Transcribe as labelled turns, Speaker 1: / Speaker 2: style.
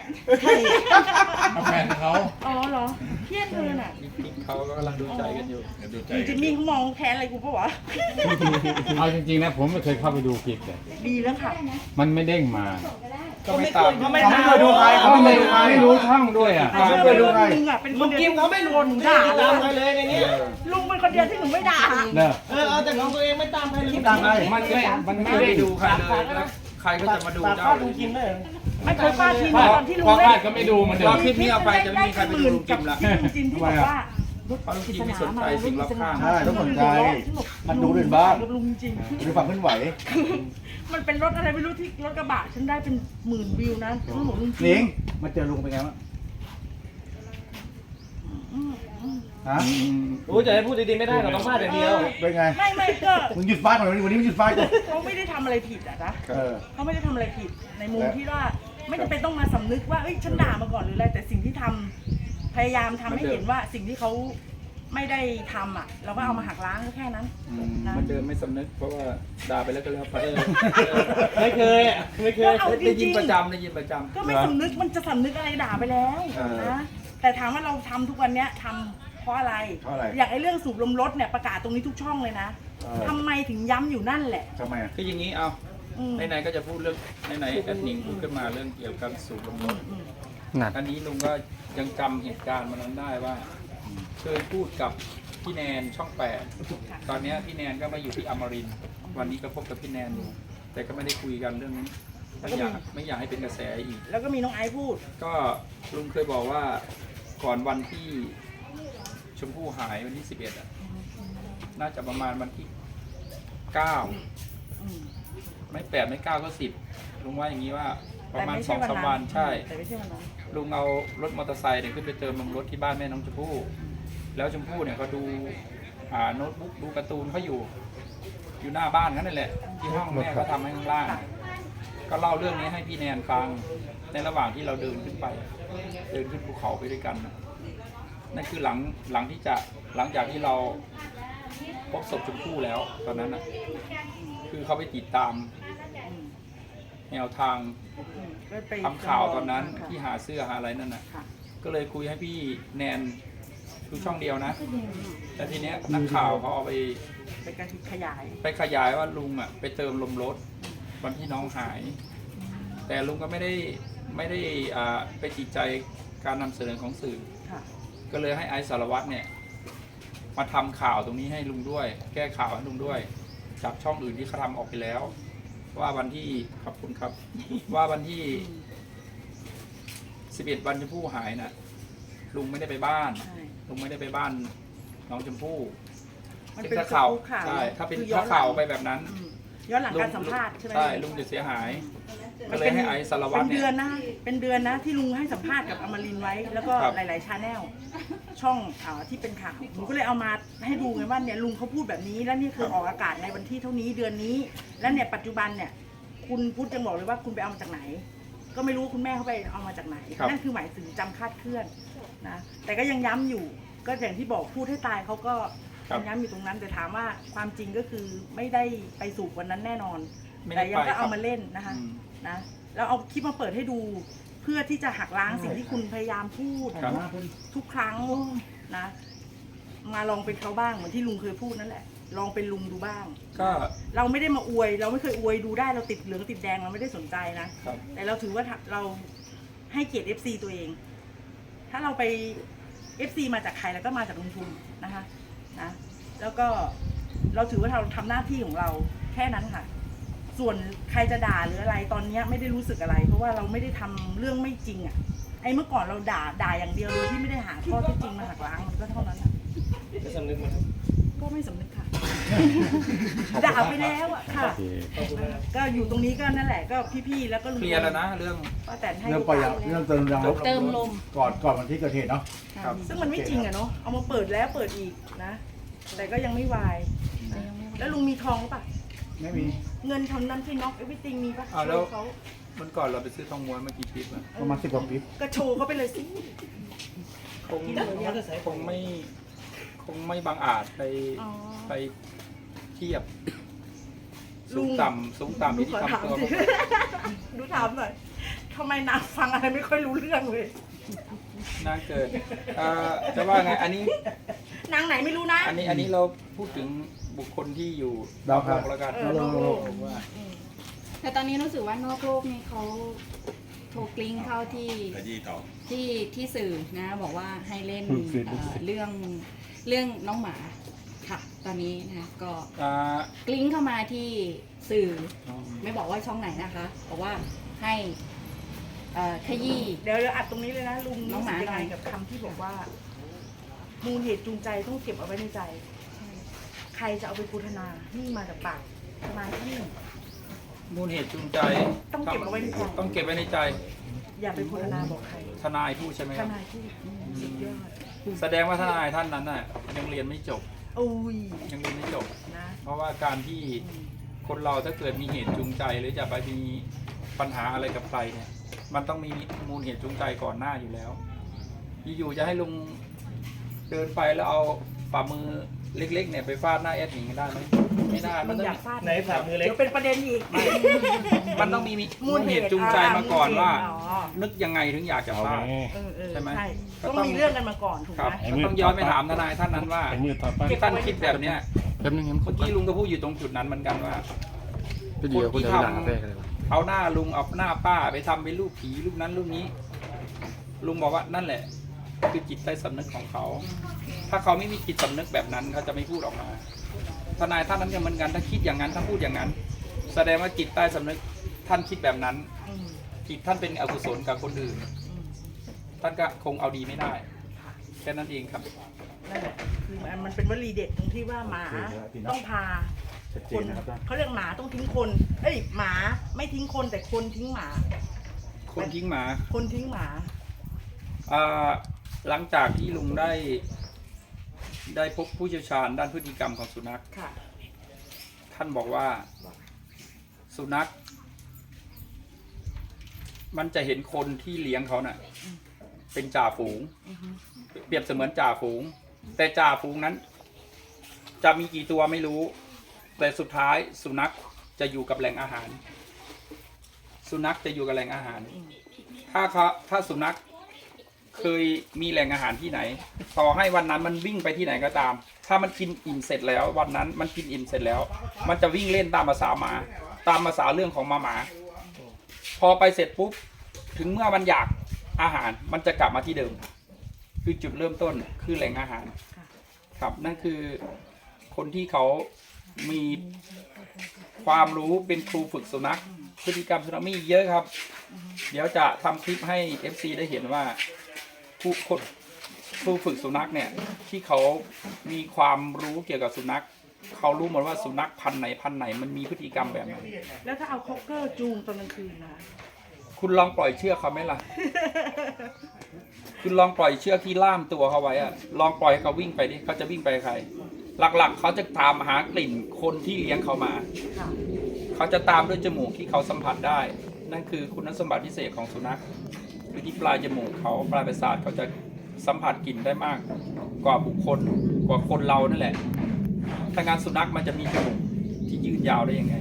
Speaker 1: ใช่
Speaker 2: แฟนเขา
Speaker 1: อ๋อเหรอเพี้ยนเธอน่ะ
Speaker 3: จริงเขาก็กำลังดูใจกันอยู่
Speaker 2: เดี๋ยวดูใจ
Speaker 1: จิมมี่เขามองแค้นอะไรกูปะวะ
Speaker 4: เอาจริงๆนะผมไม่เคยเข้าไปดูคลิปเลย
Speaker 1: ดีแล้วค่ะ
Speaker 4: มันไม่เด้งมา
Speaker 3: ก็ไม่ตาม
Speaker 5: เขาไม่เคยดูใคร
Speaker 4: เขาไม่รู้ช่องด้วยอ่ะ
Speaker 1: เชื่อไหมว่าลุงอ่ะเป็นค
Speaker 5: ลุ
Speaker 1: น
Speaker 5: ง
Speaker 1: เดียว
Speaker 5: กิมเขาไม่รู้ด่าตามใครเลยในนี้
Speaker 1: ลุงเป็นคนเดียวที่หนูไม่ด่า
Speaker 4: เนอะ
Speaker 5: เอาแต่ของตัวเองไม่ตามใครเลย
Speaker 4: ตามใครมันไม่
Speaker 3: ไม่
Speaker 4: ได้
Speaker 3: ได้
Speaker 4: ดู
Speaker 3: ดูใครเลยแล้วใครก็จะมาดู
Speaker 5: ตาม
Speaker 3: เจ้า
Speaker 5: ข้าวลุงกิมเลย
Speaker 1: ไม่เคยฟาดทีม
Speaker 4: พ่อ
Speaker 1: ตอนที่ลุง
Speaker 4: พ่อ
Speaker 1: เล่
Speaker 4: พลาน ดก็ไม่ดูเหมันเดิ
Speaker 3: พอ
Speaker 4: ม
Speaker 3: คลิปนี้เอาไปจะไม่มีใครไปดูลุงกิมละ
Speaker 1: ที่ลุงจิมที่บอกว่า
Speaker 3: เพราะลุงกิมไม่สนใจสิ่งรอบข้าง
Speaker 6: ใช่ต้องสนใจมันดูอื่นบ้าง
Speaker 1: ลุงจริง
Speaker 6: ดูความเคลื่อนไหว
Speaker 1: มันเป็นรถอะไรไม่รู้ที่รถกระบะฉันได้เป็น10,000 วิวนะฉันบอกลุงจริ
Speaker 6: นิ
Speaker 1: ง
Speaker 6: งมาเจอลุงเป็นไงบ้างฮะ
Speaker 5: โอ้จะให้พูดดีๆไม่ได้เราต้องพลาดอย่างเดียว
Speaker 6: เป็นไง
Speaker 1: ไม่ก็
Speaker 6: มึงหยุดฟาดก่อนวันนี้มึงหยุดฟาดก่อน
Speaker 1: เขาไม่ได้ทำอะไรผิดอะนะ
Speaker 6: เออ
Speaker 1: เขาไม่ได้ทำอะไรผิดในมุมที่ว่าไม่จำเป็นต้องมาสำนึกว่าเอ้ยฉันด่ามาก่อนหรืออะไรแต่สิ่งที่ทำพยายามทำให้เห็นว่าสิ่งที่เขาไม่ได้ทำอ่ะ เราก็เอามาหักล้างก็แค่นั้นนะ
Speaker 3: มันเดิมไม่สำนึกเพราะว่าด่าไปแล้วก็แล้วไป
Speaker 5: ไม่เคยไม่เค
Speaker 1: ก็
Speaker 5: ย
Speaker 1: เอาจ
Speaker 3: ได้ยิ
Speaker 1: ริ
Speaker 3: น
Speaker 1: ง
Speaker 3: ประจำได้ยินประจำ
Speaker 1: ๆก็ไม่สำนึกมันจะสำนึกอะไรด่าไปแล้วนะแต่ถามว่าเราทำทุกวันเนี้ยทำเพราะอะไร
Speaker 6: เพราะอะไร
Speaker 1: อย่างไอ้เรื่องสูบลมรถเนี่ยประกาศตรงนี้ทุกช่องเลยนะทำไมถึงย้ำอยู่นั่นแหละ
Speaker 6: ทำไมอ่ะ
Speaker 3: คืออย่างนี้เอา
Speaker 1: อืม
Speaker 3: ไหนๆก็จะพูดเรื่องไหนๆแอดนิงพูดขึ้นมาเรื่องเกี่ยวกับสูบลมรถอันนี้ลุงก็ยังจำเหตุการณ์มันนั้นได้ว่าเคยพูดกับพี่แนนช่อง8ตอนนี้พี่แนนก็มาอยู่ที่อมรินทร์วันนี้ก็พบกับพี่แนนอยู่แต่ก็ไม่ได้คุยกันเรื่องนี้ไม่อยากให้เป็นกระแสอีก
Speaker 1: แล้วก็มีน้องไอซ์พูด
Speaker 3: ก็ลุงเคยบอกว่าก่อนวันที่ชมพู่หายวันที่11อ่ะน่าจะประมาณวันที่9
Speaker 1: อืม
Speaker 3: ไม่8ไม่9ก็10ลุงว่าอย่างนี้ว่าประมาณ
Speaker 1: แต่ไใช่
Speaker 3: 2-3 วันใช่
Speaker 1: แต่ไม่ใช่วันนั้น
Speaker 3: ลุงเอารถมอเตอร์ไซค์เนี่ยขึ้นไปเติมลมรถที่บ้านแม่น้องชมพู่แล้วชมพู่เนี่ยเขาดูโน้ตบุ๊กดูการ์ตูนเขาอยู่หน้าบ้านนั่นแหละที่ห้องแม่เขาทำให้ข้างล่าง ก็เล่าเรื่องนี้ให้พี่แนนฟังในระหว่างที่เราเดินขึ้นไป เดินขึ้นภูเขาไปด้วยกันนะนั่นคือหลังจากที่เราพบศพชมพู่แล้วตอนนั้นนะคือเขาไปติดตามแนวทาง
Speaker 1: ก็ไป
Speaker 3: ทำข่าวตอนนั้น
Speaker 1: ค่ะ
Speaker 3: ที่หาเสื้อหาอะไรนั่นนะ
Speaker 1: ค่ะ
Speaker 3: ก็เลยคุยให้พี่แนนคือช่องเดียวนะแต่ทีเนี้ยนักข่าวเขาเอาไป
Speaker 1: เป็นการขยาย
Speaker 3: ขยายว่าลุงอ่ะไปเติมลมรถวันที่น้องหาย แต่ลุงก็ไม่ได้ไปติดใจการนำเสนอของสื่อ
Speaker 1: ค่ะ
Speaker 3: ก็เลยให้ไอซ์สารวัตรเนี่ยมาทำข่าวตรงนี้ให้ลุงด้วย แก้ข่าวให้ลุงด้วยจากช่องอื่นที่เขาทำออกไปแล้ว ว่าวันที่ขอบคุณครับ ว่าวันที่11วันชมพู่หายน่ะลุงไม่ได้ไปบ้าน
Speaker 1: ใช่
Speaker 3: ลุงไม่ได้ไปบ้านน้องชมพู่
Speaker 1: มันเป็น
Speaker 3: ถ้าข่าว
Speaker 1: ข่าว
Speaker 3: ใช่ถ้าเป็น
Speaker 1: คือย้อ
Speaker 3: ถ้าน
Speaker 1: หลัง
Speaker 3: ข่าวไปแบบนั้น
Speaker 1: ย้อนหลังการสัมภาษณ์ใช่ไหม
Speaker 3: ใช่ลุงจะเสียหาย ก็เลยให้ไอซ์สารวัตร
Speaker 1: เป็น
Speaker 3: เนี่
Speaker 1: เดือน
Speaker 3: ย
Speaker 1: นะเป็นเดือนนะที่ลุงให้สัมภาษณ์กับอมรินทร์ไว้ แล้วก็
Speaker 3: ครับ
Speaker 1: หลายๆชาแนลช่องที่เป็นข่าวหนูก็เลยเอามาให้ดูไงว่าเนี่ยลุงเขาพูดแบบนี้แล้วนี่คือออกอากาศในวันที่เท่านี้เดือนนี้ แล้วเนี่ยปัจจุบันเนี่ยคุณพูดยังบอกเลยว่าคุณไปเอามาจากไหน ก็ไม่รู้คุณแม่เขาไปเอามาจากไหน
Speaker 3: ครับ
Speaker 1: นั่นคือหมายถึงจำคาดเคลื่อนนะแต่ก็ยังย้ำอยู่ ก็อย่างที่บอกพูดให้ตายเขาก็ยังย้ำอยู่ตรงนั้นแต่ถามว่าความจริงก็คือไม่ได้ไปสูบวันนั้นแน่นอน
Speaker 3: ไม่
Speaker 1: แต่
Speaker 3: ได้
Speaker 1: ยัง
Speaker 3: ไป
Speaker 1: ก็เอา
Speaker 3: ครับ
Speaker 1: มาเล่นนะคะ
Speaker 3: อืม
Speaker 1: นะแล้วเอาคลิปมาเปิดให้ดู เพื่อที่จะหักล้างสิ่งที่คุณพยายามพูด
Speaker 3: ครับ
Speaker 1: ทุกครั้งนะ มาลองเป็นเขาบ้างเหมือนที่ลุงเคยพูดนั่นแหละ ลองเป็นลุงดูบ้าง
Speaker 3: ก็
Speaker 1: เราไม่ได้มาอวย เราไม่เคยอวยดูได้เราติดเหลืองติดแดงเราไม่ได้สนใจนะ
Speaker 3: ครับ
Speaker 1: แต่เราถือว่าเราให้เกียรติ FC ตัวเอง ถ้าเราไป FC มาจากใครแล้วก็มาจากลุงทุนนะคะนะแล้วก็เราถือว่าเราทำหน้าที่ของเราแค่นั้นค่ะ ส่วนใครจะด่าหรืออะไรตอนนี้ไม่ได้รู้สึกอะไร เพราะว่าเราไม่ได้ทำเรื่องไม่จริงอ่ะไอ้เมื่อก่อนเราด่าอย่างเดียวโดยที่ไม่ได้หาข้อเท็จจริงมาหักล้างมันก็เท่านั้นอะ
Speaker 5: จะสำนึกไหมครับ
Speaker 1: ก็ไม่สำนึกค่ะ ด่าไปแล้วอ่ะค่ะ
Speaker 4: โอเค
Speaker 5: ขอบคุณมาก
Speaker 1: ก็อยู่ตรงนี้ก็นั่นแหละก็พี่ๆแล้วก็ลุง
Speaker 3: เคลียร์แล้วนะเรื่อง
Speaker 1: ป้าแตนให้
Speaker 6: เรื่องปล่อยยางเรื่องเติมยางลบ
Speaker 1: เติมลม
Speaker 6: ก่อนวันที่เกิดเหตุเนาะ
Speaker 3: ครับ
Speaker 1: ซึ่งมันไม่จริงอะเนาะเอามาเปิดแล้วเปิดอีกนะ แต่ก็ยังไม่วายแล้วลุงมีทองหรือเปล่า
Speaker 6: ไม่มี
Speaker 1: เงินทำนั้นที่น็อกเอวิติงมีปะ
Speaker 3: อ้าวแล้ว
Speaker 1: โชว์เขา
Speaker 3: มันก่อนเราไปซื้อทองม้วนเมื่อกี้ปิ๊บอะ
Speaker 6: ประมาณ10 กว่าปี
Speaker 1: ก็โชว์เขาไปเลยสิ
Speaker 3: คงไม่บางอาจไป
Speaker 1: อ๋อ
Speaker 3: ไปเทียบ
Speaker 1: ลุ
Speaker 3: สู
Speaker 1: ง
Speaker 3: งต่ำที่
Speaker 1: ขอถาม
Speaker 3: ทำตัว
Speaker 1: สิดูถามหน่อยทำไมนางฟังอะไรไม่ค่อยรู้เรื่องเลย
Speaker 3: นางเกิดจะว่าไงอันนี้
Speaker 1: นางไหนไม่รู้นะ
Speaker 3: อันนี้เราพูดถึงบุคคลที่อยู่
Speaker 6: ดาว
Speaker 3: โล
Speaker 6: ครับ
Speaker 3: กแล้วกัน
Speaker 1: นอกโลก
Speaker 7: แต่ตอนนี้รู้สึกว่านอกโลกนี่เขาโทรกลิ้งเข้าที่ที่สื่อนะบอกว่าให้เล่นเรื่องน้องหมาค่ะ ตอนนี้นะก็
Speaker 3: อ่าก
Speaker 7: ลิ้งเข้ามาที่สื่อไม่บอกว่าช่องไหนนะคะบอกว่าให้ขยี้
Speaker 1: เดี๋ยวอัดตรงนี้เลยนะลุง
Speaker 7: น้องหมา
Speaker 1: รู้สึกยังไง
Speaker 7: หน่อย
Speaker 1: กับคำที่บอกว่า มูลเหตุจูงใจต้องเก็บเอาไว้ในใจ ใครจะเอาไปพูดนานี่มาจากปากทนายท่านหนึ่ง
Speaker 3: มูลเหตุจูงใจ
Speaker 1: ต้องเก็บเอาไว้ในใจ
Speaker 3: ต้องเก็บไว้ในใจ
Speaker 1: อย่าไปพูดนาบอกใคร
Speaker 3: ทนายพูดใช่ไหม
Speaker 1: ท
Speaker 3: ครับ
Speaker 1: นายพูดสุดยอด
Speaker 3: แสดงว่าทนายท่านนั้นน่ะยังเรียนไม่จบ
Speaker 1: โอ้ย
Speaker 3: ยังเรียนไม่จบ
Speaker 1: นะ
Speaker 3: เพราะว่าการที่คนเราถ้าเกิดมีเหตุจูงใจหรือจะไปมีปัญหาอะไรกับใครเนี่ย มันต้องมีมูลเหตุจูงใจก่อนหน้าอยู่แล้ว อยู่ๆจะให้ลุงเดินไปแล้วเอาฝ่ามือเล็กๆเนี่ยไปฟาดหน้าแอดหนิงได้ไหมไม่ได้
Speaker 1: มึ
Speaker 3: มัน
Speaker 1: ง
Speaker 3: ต้อง
Speaker 1: อยากฟาด
Speaker 5: ไหนฝ่ามือเล็ก
Speaker 1: เดี๋ยวเป็นประเด็นอีก
Speaker 3: มันต้องมีมูลเหตุจูงใจมาก่อนว่า
Speaker 1: อ๋อ
Speaker 3: นึกยังไงถึงอยากจะ
Speaker 4: โอ
Speaker 3: ฟาด
Speaker 4: เค
Speaker 3: ใช่ไหม
Speaker 1: ต้องมีเรื่องกันมาก่อนถูก
Speaker 3: ครับ
Speaker 1: ไหม
Speaker 3: ก็ต้องย้อนไปถามทนายท่านนั้นว่า
Speaker 4: เป็นมือต่อไป
Speaker 3: ที่ท่านคิดแบบเนี้ย
Speaker 4: แป๊บนึงครับ
Speaker 3: เมื่อกี้ลุงก็พูดอยู่ตรงจุดนั้นเหมือนกันว่า
Speaker 4: พี่เดียวคุณ
Speaker 3: ที่
Speaker 4: จะ
Speaker 3: ท
Speaker 4: หลังกาแฟกันเลยวะ
Speaker 3: ำเอาหน้าลุงเอาหน้าป้าไปทำเป็นรูปผีรูปนั้นรูปนี้ ลุงบอกว่านั่นแหละ คือจิตใต้สำนึกของเขา ถ้าเขาไม่มีจิตสำนึกแบบนั้นเขาจะไม่พูดออกมาทนายท่านนั้นก็เหมือนกันถ้าคิดอย่างนั้นถ้าพูดอย่างนั้น แสดงว่าจิตใต้สำนึกท่านคิดแบบนั้น
Speaker 1: อืม
Speaker 3: จิตท่านเป็นอกุศลกับคนอื่น
Speaker 1: อืม
Speaker 3: ท่านก็คงเอาดีไม่ได้แค่นั้นเองครับ
Speaker 1: นั่นแหละคือมันเป็นวลีเด็ดตรงที่ว่าหมาต้องพา
Speaker 6: ชัดเจ
Speaker 1: คน น
Speaker 6: นะครับท่าน
Speaker 1: เขาเรียกหมาต้องทิ้งคนเอ้ยหมาไม่ทิ้งคนแต่คนทิ้งหมา
Speaker 3: คนทิ้งหมา
Speaker 1: คนทิ้งหมา
Speaker 3: หลังจากที่ลุงได้พบผู้เชี่ยวชาญด้านพฤติกรรมของสุนัข
Speaker 1: ค่ะ
Speaker 3: ท่านบอกว่าสุนัข มันจะเห็นคนที่เลี้ยงเขาน่ะ เป็นจ่าฝูง
Speaker 1: อือฮึ
Speaker 3: เปรียบเสมือนจ่าฝูง แต่จ่าฝูงนั้น จะมีกี่ตัวไม่รู้ แต่สุดท้ายสุนัขจะอยู่กับแหล่งอาหาร สุนัขจะอยู่กับแหล่งอาหาร ถ้าสุนัขเคยมีแหล่งอาหารที่ไหน ต่อให้วันนั้นมันวิ่งไปที่ไหนก็ตาม ถ้ามันกินอิ่มเสร็จแล้ว วันนั้นมันกินอิ่มเสร็จแล้ว มันจะวิ่งเล่นตามภาษาหมา ตามภาษาเรื่องของหมา พอไปเสร็จปุ๊บ ถึงเมื่อมันอยากอาหาร มันจะกลับมาที่เดิม คือจุดเริ่มต้นคือแหล่งอาหาร ครับ นั่นคือคนที่เขามีความรู้เป็นครูฝึกสุนัข พฤติกรรมสุนัขมีเยอะครับ เดี๋ยวจะทำคลิปให้ FC ได้เห็นว่าครูฝึกสุนัขเนี่ย ที่เขามีความรู้เกี่ยวกับสุนัข เขารู้หมดว่าสุนัขพันธุ์ไหนมันมีพฤติกรรมแบบไหน
Speaker 1: แล้วถ้าเอาคอกเกอร์จูงตอนกลางคืนนะคะ
Speaker 3: คุณลองปล่อยเชือกเขาไหมล่ะ คุณลองปล่อยเชือกที่ล่ามตัวเขาไว้อะลองปล่อยให้เขาวิ่งไปดิเขาจะวิ่งไปใคร หลักๆ เขาจะตามหากลิ่นคนที่เลี้ยงเขามา
Speaker 1: ค่ะ
Speaker 3: เขาจะตามด้วยจมูกที่เขาสัมผัสได้ นั่นคือคุณสมบัติพิเศษของสุนัขคือที่ปลายจมูกเขาปลายประสาทเขาจะสัมผัสกลิ่นได้มาก กว่าบุคคลกว่าคนเรานั่นแหละถ้างานสุนัขมันจะมีจมูกที่ยืนยาวได้ยังไง